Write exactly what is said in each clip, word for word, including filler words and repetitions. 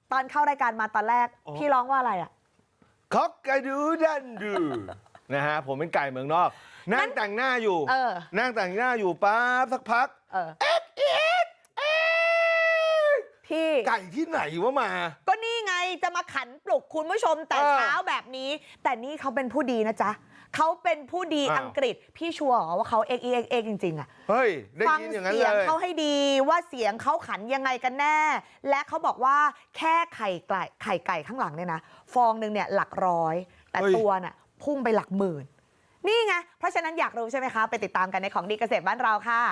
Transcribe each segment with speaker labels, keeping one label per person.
Speaker 1: ตอนเข้ารายการมาตอนแรกพี่ร้องว่าอะไรอ่ะ
Speaker 2: คอกกระดูดันดูนะฮะผมเป็นไก่เมืองนอกนั่งแต่งหน้าอยู่นั่งแต่งหน้าอยู่ปั๊บสักพักเอ็กเอ็กเอ็กพี่ไก่ที่ไหนวะมา
Speaker 1: ก็นี่ไงจะมาขันปลุกคุณผู้ชมแต่เช้าแบบนี้แต่นี่เขาเป็นผู้ดีนะจ๊ะเขาเป็นผู้ดีอังกฤษพี่ชัวร์ว่าเขาเอ็กเอ็กเอ็กจริงๆอ่ะ
Speaker 2: เฮ้ยได้ยินอย่างนั้นเลย
Speaker 1: ฟังเสียงเขาให้ดีว่าเสียงเขาขันยังไงกันแน่และเขาบอกว่าแค่ไข่ไก่ไข่ไก่ข้างหลังเนี่ยนะฟองหนึ่งเนี่ยหลักร้อยแต่ตัวน่ะพุ่งไปหลักหมื่นนี่ไงเพราะฉะนั้นอยากรู้ใช่ไหมคะไปติดตามกันในของดีเกษตรบ้านเราค่ะ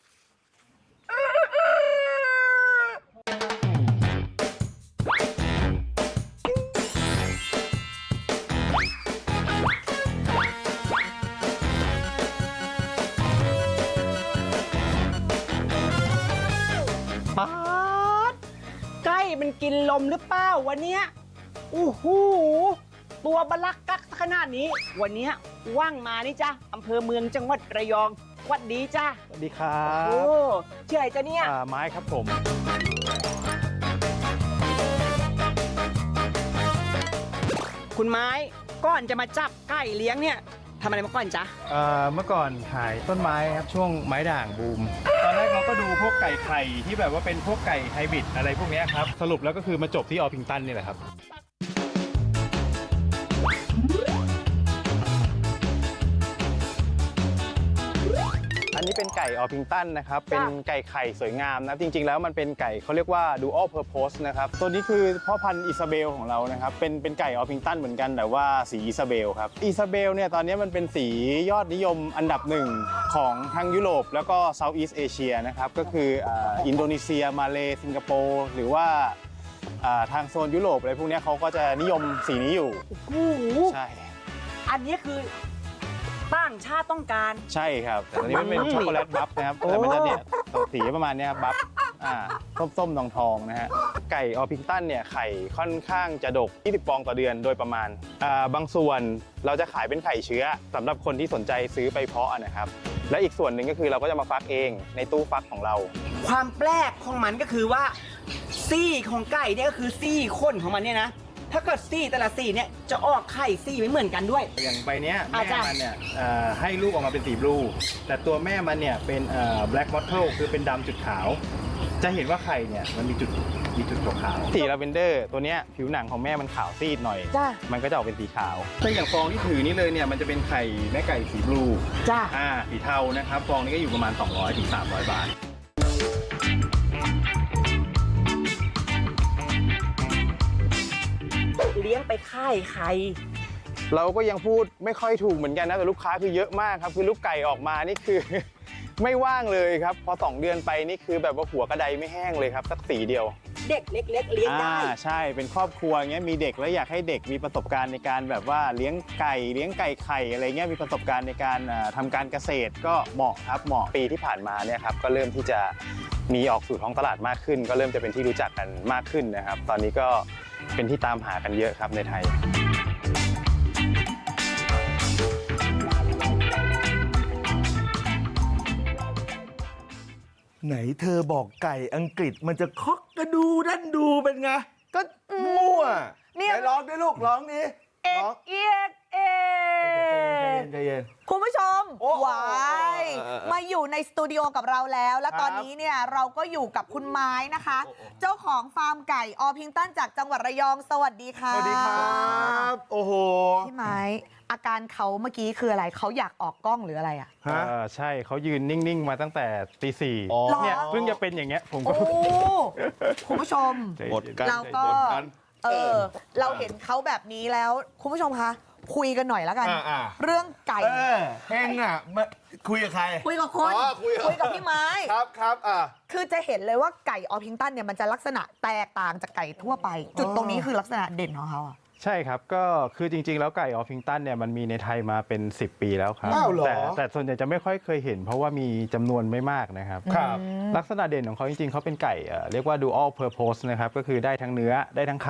Speaker 3: ป๊าดใกล้มันกินลมหรือเปล่าวันเนี้ยอู้หูตัวบลักกักขนาดนี้วันเนี้ยว่างมานี่จ้ะอำเภอเมืองจังหวัดระยองวัดดีจ้ะ
Speaker 4: สวัสดีครับ
Speaker 3: โอ้ชื่ออะไรจ้ะเนี่ย
Speaker 4: ไม้ครับผม
Speaker 3: คุณไม้ก่อนจะมาจับไก่เลี้ยงเนี่ยทำอะไรมาก่อนจ๊ะ
Speaker 4: เมื่อก่อนขายต้นไม้ครับช่วงไม้ด่างบูมตอนแรกเราก็ดูพวกไก่ไข่ที่แบบว่าเป็นพวกไก่ไฮบริดอะไรพวกนี้ครับสรุปแล้วก็คือมาจบที่ออพิงตันนี่แหละครับอันนี้เป็นไก่ออพิงตันนะครับเป็นไก่ไข่สวยงามนะจริงๆแล้วมันเป็นไก่เขาเรียกว่า dual purpose นะครับตัวนี้คือพ่อพันธุ์อิซาเบลของเรานะครับเป็นเป็นไก่ออพิงตันเหมือนกันแต่ว่าสีอิซาเบลครับอิซาเบลเนี่ยตอนนี้มันเป็นสียอดนิยมอันดับหนึ่งของทางยุโรปแล้วก็ Southeast Asia นะครับก็คืออินโดนีเซียมาเลสิงคโปร์หรือว่าทางโซนยุโรปอะไรพวกนี้เขาก็จะนิยมสีนี้อยู่ใช่
Speaker 3: อันนี้คือต่างชาติต้องการ
Speaker 4: ใช่ครับแต่ตอนนี้มันเป็นช็อกโกแลตบัฟนะครับแต่มันจะเนี่ยสีประมาณนี้ครับบัฟอ่าส้มๆทองๆนะฮะไก่ออพิงตันเนี่ยไข่ค่อนข้างจะดกยี่สิบฟองต่อเดือนโดยประมาณอ่าบางส่วนเราจะขายเป็นไข่เชื้อสำหรับคนที่สนใจซื้อไปเพาะนะครับและอีกส่วนหนึ่งก็คือเราก็จะมาฟักเองในตู้ฟักของเรา
Speaker 3: ความแปลกของมันก็คือว่าซี่ของไก่เนี่ยก็คือซี่ข้นของมันเนี่ยนะถ้าเกิดซี่แต่ละซี่เนี่ยจะออกไข่ซี่ไม่เหมือนกันด้วย
Speaker 4: อย่างใบเนี้ยแม่มันเนี่ยให้ลูกออกมาเป็นสีบลูแต่ตัวแม่มันเนี่ยเป็นแบล็กมอตเทิลคือเป็นดำจุดขาวจะเห็นว่าไข่เนี่ยมันมีจุดมีจุดขาวสีลาเวนเดอร์ตัวเนี้ยผิวหนังของแม่มันขาวซีดหน่อยมันก็จะออกเป็นสีขาวถ้าอย่างฟองที่ถือนี่เลยเนี่ยมันจะเป็นไข่แม่ไก่สีบลู
Speaker 3: จ้า
Speaker 4: อ่าสีเทานะครับฟองนี้ก็อยู่ประมาณ สองร้อยถึงสามร้อย บาท
Speaker 3: เลี้ยงไปค่ายไข่
Speaker 4: เราก็ยังพูดไม่ค่อยถูกเหมือนกันนะแต่ลูกค้าคือเยอะมากครับคือลูกไก่ออกมานี่คือ ไม่ว่างเลยครับพอสองเดือนไปนี่คือแบบว่าหัวกระไดไม่แห้งเลยครับสักสีเดียว
Speaker 3: เด็กเล็กๆเลี้ยงได้
Speaker 4: ใช่เป็นครอบครัวเงี้ยมีเด็กแล้วอยากให้เด็กมีประสบการณ์ในการแบบว่าเลี้ยงไก่เลี้ยงไก่ไข่อะไรเงี้ยมีประสบการณ์ในการทำการเกษตรก็เหมาะครับเหมาะปีที่ผ่านมาเนี่ยครับก็เริ่มที่จะมีออกสู่ท้องตลาดมากขึ้นก็เริ่มจะเป็นที่รู้จักกันมากขึ้นนะครับตอนนี้ก็เป็นที่ตามหากันเยอะครับในไทย
Speaker 2: ไหนเธอบอกไก่อังกฤษมันจะคอกกระดูดันดูเป็นไงก็มั่วไหนร้องด้วยลูกร้องนี้
Speaker 1: เอ็กเอ็กเอ็กคุณผู้ชมวายมาอยู่ในสตูดิโอกับเราแล้วและตอนนี้เนี่ยเราก็อยู่กับคุณไม้นะคะเจ้าของฟาร์มไก่ออพิงตันจากจังหวัดระยองสวัสดีค่ะ
Speaker 2: สวัสดีครับโอ้โห
Speaker 1: พี่ไม้อาการเขาเมื่อกี้คืออะไรเขาอยากออกกล้องหรืออะไรอ่ะ
Speaker 4: ใช่เขายืนนิ่งๆมาตั้งแต่ตีสี่เนี่ยเพิ่งจะเป็นอย่างเงี้ยผมก็
Speaker 1: คุณผู้ชมเราก็เออเราเห็นเขาแบบนี้แล้วคุณผู้ชมคะคุยกันหน่อยแล้วกันเรื่องไก่
Speaker 2: เฮงอ่ะคุยกับใคร
Speaker 1: คุยกับคนคุยกับพี่ไม้
Speaker 2: ครับครับอ่ะ
Speaker 1: คือจะเห็นเลยว่าไก่ออพิงตันเนี่ยมันจะลักษณะแตกต่างจากไก่ทั่วไปจุดตรงนี้คือลักษณะเด่นของเขาอ่ะ
Speaker 4: ใช่ครับก็คือจริงๆแล้วไก่ออพิงตันเนี่ยมันมีในไทยมาเป็นสิบปีแล้วครับแต่แต่ส่วนใหญ่จะไม่ค่อยเคยเห็นเพราะว่ามีจำนวนไม่มากนะครับลักษณะเด่นของเขาจริงๆเขาเป็นไก่เรียกว่า dual purpose นะครับก็คือได้ทั้งเนื้อได้ทั้งไข่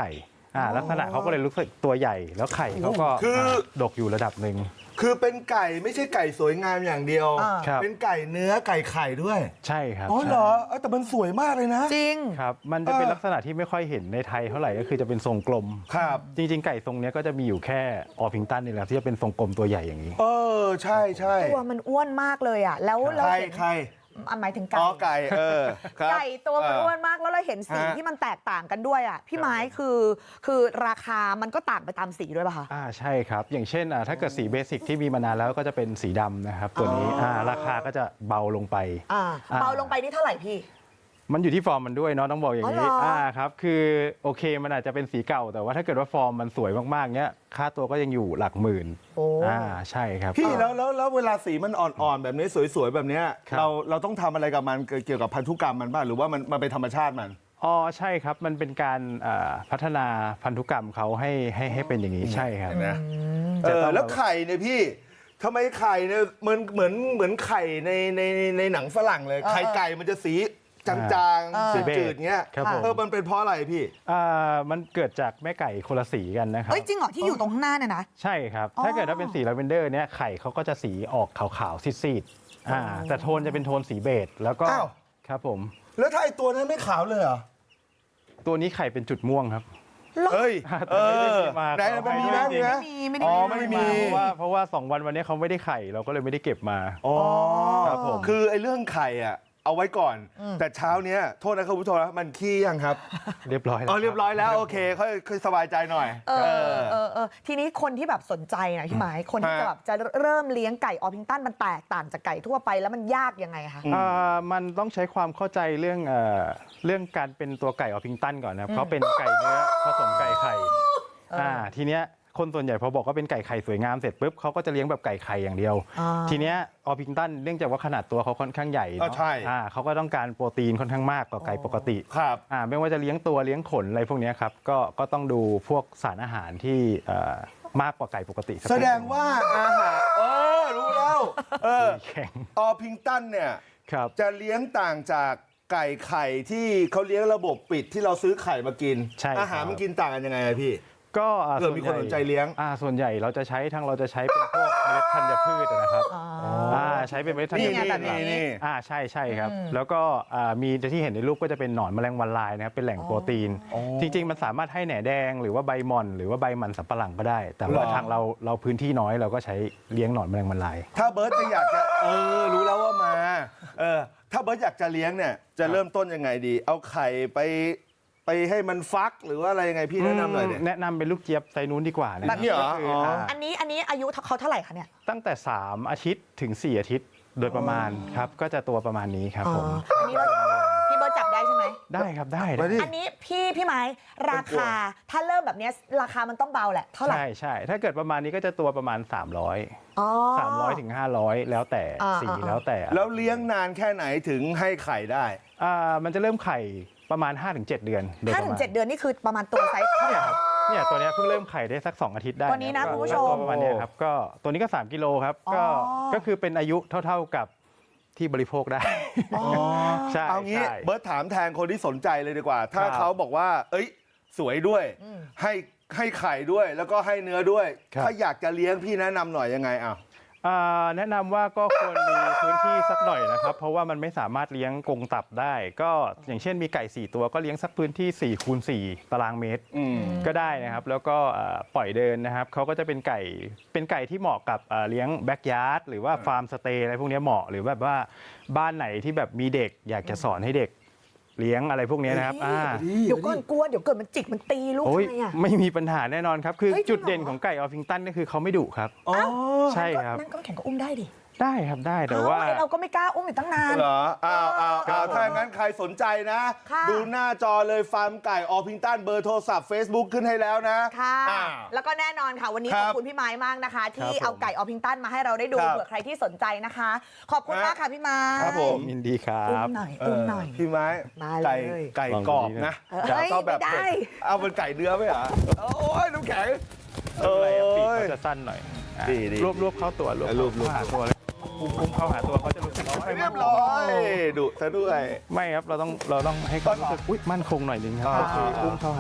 Speaker 4: อ่าลักษณะเขาก็เลยรู้สึกตัวใหญ่แล้วไข่เขาก็
Speaker 2: คืออ่
Speaker 4: าดกอยู่ระดับหนึ่ง
Speaker 2: คือเป็นไก่ไม่ใช่ไก่สวยงามอย่างเดียว
Speaker 1: อ่า
Speaker 4: ครับ
Speaker 2: เป็นไก่เนื้อไก่ไข่ด้วย
Speaker 4: ใช่ครับ
Speaker 2: อ๋อเหรอเอ้ยแต่มันสวยมากเลยนะ
Speaker 1: จริง
Speaker 4: ครับมันจะเป็น
Speaker 2: เออ
Speaker 4: ลักษณะที่ไม่ค่อยเห็นในไทยเท่าไหร่ก็คือจะเป็นทรงกลม
Speaker 2: ครับ
Speaker 4: จริง ๆ ไก่ทรงเนี้ยก็จะมีอยู่แค่ออพิงตันนี่แหละที่จะเป็นทรงกลมตัวใหญ่อย่างนี้
Speaker 2: เออใช่ใช่
Speaker 1: ตัวมันอ้วนมากเลยอ่ะ แล้วเรา
Speaker 2: ใคร
Speaker 1: เห็น
Speaker 2: ใคร
Speaker 1: อ่ะหมายถึงไก่
Speaker 2: อ๋อไก่เออครับ
Speaker 1: ไก่ตัวมัน
Speaker 2: เ
Speaker 1: อ้วนมากแล้วเราเห็นสี
Speaker 2: ฮะ
Speaker 1: ที่มันแตกต่างกันด้วยอ่ะพี่ไม้คือคือราคามันก็ต่างไปตามสีด้วยป่ะคะ
Speaker 4: อ่าใช่ครับ อย่างเช่นอ่าถ้าเกิดสีเบสิกที่มีมานานแล้วก็จะเป็นสีดำนะครับ ตัวนี้
Speaker 1: อ๋ออ่
Speaker 4: าราคาก็จะเบาลงไป
Speaker 1: อ่า
Speaker 4: อ่า
Speaker 1: เบาลงไปนี่เท่าไหร่พี่
Speaker 4: มันอยู่ที่ฟอร์มมันด้วยเนาะต้องบอกอย่าง
Speaker 1: อ๋
Speaker 4: นี้
Speaker 1: อเหรออ่
Speaker 4: อ่าครับคือโอเคมันอาจจะเป็นสีเก่า แต่ว่าถ้าเกิดว่าฟอร์มมันสวยมากๆเนี้ยค่าตัวก็ยังอยู่หลักหมื่น
Speaker 1: โอ้
Speaker 4: อ่าใช่ครับ
Speaker 2: พี่แล้วแล้วแล้วเวลาสีมันอ่อนๆแบบนี้สวยๆแบบเนี้ย
Speaker 4: ครับ
Speaker 2: เราเราต้องทำอะไรกับมันเกี่ยวกับพันธุกรรมมันบ้างหรือว่ามันมันเป็นธรรมชาติมัน
Speaker 4: อ๋อใช่ครับมันเป็นการอ่าพัฒนาพันธุกรรมเขาให้ให้ให้เป็นอย่างนี้ใช่ครับ
Speaker 2: เห็นไหม เอ
Speaker 4: จะ
Speaker 2: อ
Speaker 4: ต้อง
Speaker 2: แล้วไข่เนี่ยพี่ทำไมไข่เนี่ยเหมือนเหมือนเหมือนไข่ในในในหนังฝรั่งเลย
Speaker 1: เออ
Speaker 2: ไข่ไก่มันจะสีจาง
Speaker 1: เออ
Speaker 2: ๆจืดๆเงี้ย
Speaker 4: ครับผม
Speaker 2: เออมันเป็นเพราะอะไรพี่
Speaker 4: อ่ามันเกิดจากแม่ไก่คนละสีกันนะครับ
Speaker 1: เอ้ยจริงเหรอที่อยู่ตรงข้างหน้าเนี่ยนะ
Speaker 4: ใช่ครับ
Speaker 1: อ๋อ
Speaker 4: ถ้าเกิดว่าเป็นสีลาเวนเดอร์เนี่ยไข่เขาก็จะสีออกขาวๆซีดๆอ่าแต่โทนจะเป็นโทนสีเบจแล้วก็
Speaker 2: อ้าว
Speaker 4: ครับผม
Speaker 2: แล้วถ้าไอตัวนั้นไม่ขาวเลยเหรอ
Speaker 4: ตัวนี้ไข่เป็นจุดม่วงครับ
Speaker 2: เอ้ย
Speaker 4: แต่
Speaker 2: เอ
Speaker 4: ไม่ได้
Speaker 2: อ
Speaker 4: มีมา
Speaker 2: ไหนมันมีไหมมีไหม
Speaker 1: ไม่มีไม่ได้
Speaker 2: อ๋อไม่มี
Speaker 4: เพราะว่าเพราะว่าสองวันวันนี้เขาไม่ได้ไข่เราก็เลยไม่ได้เก็บมา
Speaker 2: อ๋อ
Speaker 4: ครับผม
Speaker 2: คือไอ้เรื่องไข่อ่ะเอาไว้ก่อน แต่เช้าเนี้ยโทษนะครับผู้ชมนะมันขี้ยังครับ
Speaker 4: เรียบร้อยแล้ว
Speaker 2: อ๋อเรียบร้อยแล้วโอเคค่อยค่อยสบายใจหน่อย
Speaker 1: เออเออเออทีนี้คนที่แบบสนใจนะพี่ไม้คนที่
Speaker 2: ฮะ
Speaker 1: จะแบบจะเริ่มเลี้ยงไก่ออพิงตันมันแตกต่างจากไก่ทั่วไปแล้วมันยากยังไงคะ
Speaker 4: อ่ามันต้องใช้ความเข้าใจเรื่องเอ่อเรื่องการเป็นตัวไก่ออพิงตันก่อนนะครับเขาเป็นไก่เนื้อผสมไก่ไข่อ่าทีเนี้ยคนส่วนใหญ่พอบอกว่าเป็นไก่ไข่สวยงามเสร็จปุ๊บเขาก็จะเลี้ยงแบบไก่ไข่อย่างเดียว
Speaker 1: อ่า
Speaker 4: ทีเนี้ยออพิงตันเนื่องจากว่าขนาดตัวเขาค่อนข้างใหญ่
Speaker 2: อ๋อ
Speaker 4: เนาะ
Speaker 2: ใช่
Speaker 4: อ่าเขาก็ต้องการโปรตีนค่อนข้างมากกว่าไก่ปกติ
Speaker 2: ครับ
Speaker 4: อ่าไม่ว่าจะเลี้ยงตัวเลี้ยงขนอะไรพวกเนี้ยครับก็ก็ต้องดูพวกสารอาหารที่เอ่อมากกว่าไก่ปกติสัก
Speaker 2: แส
Speaker 4: นิ
Speaker 2: ดงว่าอาหารเออรู้แล้วเออ
Speaker 4: แข็ง
Speaker 2: ออพิงตันเนี่ย
Speaker 4: ครับ
Speaker 2: จะเลี้ยงต่างจากไก่ไข่ที่เขาเลี้ยงระบบปิดที่เราซื้อไข่มากิน
Speaker 4: ใช่ครับ
Speaker 2: อาหารมันกินต่างกันยังไงอะพี่
Speaker 4: ก็อ่า
Speaker 2: เผื่อมีคนสนใจเลี้ยง
Speaker 4: อ่าส่วนใหญ่เราจะใช้ทั้งเราจะใช้เป็นพวกเมล็ดธัญพืชนะครับ
Speaker 1: อ๋อ
Speaker 4: อ่าใช้เป็นเมล็ดธัญ
Speaker 2: นี่
Speaker 4: พื
Speaker 2: ไง
Speaker 4: ช
Speaker 2: แบบนี้นี่
Speaker 4: อ่าใช่ใช่ครับ
Speaker 1: อืม
Speaker 4: แล้วก็อ่ามีที่เห็นในรูปก็จะเป็นหนอนแมลงวันลายนะครับเป็นแหล่งโปรตีน
Speaker 2: อ๋อ
Speaker 4: จริง ๆ มันสามารถให้แหน่แดงหรือว่าใบหม่อน หรือว่าใบมันสำปะหลังก็ได้ แต่ว่า
Speaker 2: เหรอ
Speaker 4: ทางเราเราพื้นที่น้อยเราก็ใช้เลี้ยงหนอนแมลงวันลาย
Speaker 2: ถ้าเบิร์ตจะอยากจะเออรู้แล้วว่ามาเออถ้าเบิร์ตอยากจะเลี้ยงเนี่ยจะเริ่มต้นยังไงดี เอาไข่ไปไปให้มันฟักหรือว่าอะไรยังไงพี่แนะนำหน่อยเนี่ย
Speaker 4: แนะนำเป็นลูกเจี๊ยบไซนู้นดีกว่านะ
Speaker 2: แบบนี้เหรอ
Speaker 4: ก็คื
Speaker 2: อ๋ออ่
Speaker 4: า
Speaker 1: อันนี้อันนี้อายุเขาเท่าไหร่คะเนี่ย
Speaker 4: ตั้งแต่สามอาทิตย์ถึงสี่อาทิตย์โดยประมาณครับก็จะตัวประมาณนี้ครับผม
Speaker 1: อ๋ออันนี้เราพี่เบิร์ตจับได้ใช่ไหม
Speaker 4: ได้ครับได้
Speaker 2: มาดิ
Speaker 1: อันนี้พี่พี่ไม้ราคาถ้าเริ่มแบบเนี้ยราคามันต้องเบาแหละเท่าไหร่
Speaker 4: ใช่ใช่ถ้าเกิดประมาณนี้ก็จะตัวประมาณ สามร้อย
Speaker 1: อ๋อ
Speaker 4: สามร้อยถึงห้าร้อยแล้วแต่
Speaker 1: อ่า
Speaker 4: สี
Speaker 1: อ่า
Speaker 4: แล้วแต่
Speaker 2: แล้วเลี้ยงนานแค่ไหนถึงให้ไข่ได้
Speaker 4: อ่ามันจะเริ่มไข่ประมาณ ห้าถึงเจ็ด เดือนโดย
Speaker 1: ห้า
Speaker 4: ประ
Speaker 1: ถึ
Speaker 4: มาง ณ
Speaker 1: เจ็ดเดือนนี่คือประมาณตัวไซส์เท่าไหร่ครับ
Speaker 4: เนี่ยตัวเนี้ยเพิ่งเริ่มไข่ได้สัก สองอาทิตย์ได้
Speaker 1: ตัวนี้นะ
Speaker 4: ก็
Speaker 1: คุณผู้ชม
Speaker 4: ก็ตัวประมาณเนี้ยครับก็ตัวนี้ก็ สามกิโลครับก็
Speaker 1: อ๋อ
Speaker 4: ก็คือเป็นอายุเท่าๆกับที่บริโภคได้
Speaker 1: อ๋อ
Speaker 4: ใช่
Speaker 2: เอางี้
Speaker 4: ใช่
Speaker 2: เบิร์ตถามแทนคนที่สนใจเลยดีกว่า ถ้า
Speaker 4: ครับ
Speaker 2: เขาบอกว่า เอ้ย สวยด้วย
Speaker 1: อืม
Speaker 2: ให้ให้ไข่ด้วย แล้วก็ให้เนื้อด้วย
Speaker 4: ครับ
Speaker 2: ถ้าอยากจะเลี้ยงพี่แนะนำหน่อยยังไงอ่ะ
Speaker 4: อ่าแนะนำว่าก็ควรมีพื้นที่สักหน่อยนะครับ เพราะว่ามันไม่สามารถเลี้ยงกรงตับได้ ก็อย่างเช่นมีไก่สี่ตัวก็เลี้ยงสักพื้นที่สี่คูณสี่ตารางเมตร
Speaker 2: อืม
Speaker 4: ก็ได้นะครับ แล้วก็เอ่อปล่อยเดินนะครับเขาก็จะเป็นไก่เป็นไก่ที่เหมาะกับเอ่อเลี้ยงแบ็กยาร์ดหรือว่าฟาร์มสเตย์อะไรพวกเนี้ยเหมาะหรือแบบว่าบ้านไหนที่แบบมีเด็กอยากจะสอนให้เด็กเลี้ยงอะไรพวกเนี้ยนะครับอ่า
Speaker 1: เดี๋ยวก่อนกลัวเดี๋ยวเกิดมันจิกมันตีลูก
Speaker 4: โอ้ย
Speaker 1: ทำไงอ่ะ
Speaker 4: ไม่มีปัญหาแน่นอนครับ คือ
Speaker 1: เฮ้ยจริงเหรอ
Speaker 4: จุดเด่นของไก่ออฟฟิงตันก็คือเขาไม่ดุครับ
Speaker 2: อ๋อ
Speaker 4: ใช่ครับ
Speaker 1: นั่นก็แข่งก็อุ้มได้ดิ
Speaker 4: ได้ครับได้แต่ว่า
Speaker 1: เอ้เราก็ไม่กล้าอุ้มอยู่ตั้งนาน
Speaker 2: เหรออ้าวอ้าว
Speaker 4: ครั
Speaker 2: อ้า
Speaker 4: บ
Speaker 2: ว
Speaker 4: ผม
Speaker 2: ถ้างั้นใครสนใจนะ
Speaker 1: ค่ะ
Speaker 2: ดูหน้าจอเลยฟาร์มไก่ออพิงตันเบอร์โทรศัพท์ Facebook ขึ้นให้แล้วนะ
Speaker 1: ค่ะ
Speaker 2: อ่า
Speaker 1: แล้วก็แน่นอนค่ะ วันนี้
Speaker 2: ค
Speaker 1: ข
Speaker 2: รั
Speaker 1: อ
Speaker 2: บบ
Speaker 1: คุณพี่ไม้มากนะคะ ที่
Speaker 4: ครับผม
Speaker 1: เอาไก่ออพิงตันมาให้เราได้ดู
Speaker 2: ครับ
Speaker 1: เผื่อใครที่สนใจนะคะ ขอบคุณมากค่ะพี่ไม้
Speaker 2: ครับผม
Speaker 4: ยินดีครั
Speaker 1: อุ้
Speaker 4: บ
Speaker 1: มหน่อย
Speaker 2: เอ
Speaker 1: อุ้ม
Speaker 2: อ
Speaker 1: หน่อย
Speaker 2: พี่ไม้
Speaker 1: มาเลย
Speaker 2: ไก่ไก่กรอบนะ
Speaker 1: เออ
Speaker 2: จะเอาแบบ
Speaker 1: ไม่ได้
Speaker 2: เผ็ดเอาเป็นไก่เนื้อไหมเหรอโอ้ยน้ำแข็ง
Speaker 4: ไม่เป็นไรครับปีกเขาจะสั้นหน่อยอ่ะ
Speaker 2: ดีดี
Speaker 4: รวบรวบเข้าตัวรวบ
Speaker 2: อ่ะรวบรวบ
Speaker 4: เข้าหาตัวเลยอุ้มอุ้มเข้าหาตัวเขาจะรู้สึกไม่ค่อย
Speaker 2: เรี
Speaker 4: มั่
Speaker 2: ย
Speaker 4: น
Speaker 2: บ
Speaker 4: ค
Speaker 2: ร้
Speaker 4: ง
Speaker 2: อยดุซะด้วย
Speaker 4: ไม่ครับเราต้องเราต้องให้เขารู้สึกอุ้ยมั่นคงหน่อยนึงครับ
Speaker 2: อ่า
Speaker 4: ก็คืออุ้มเข้าหา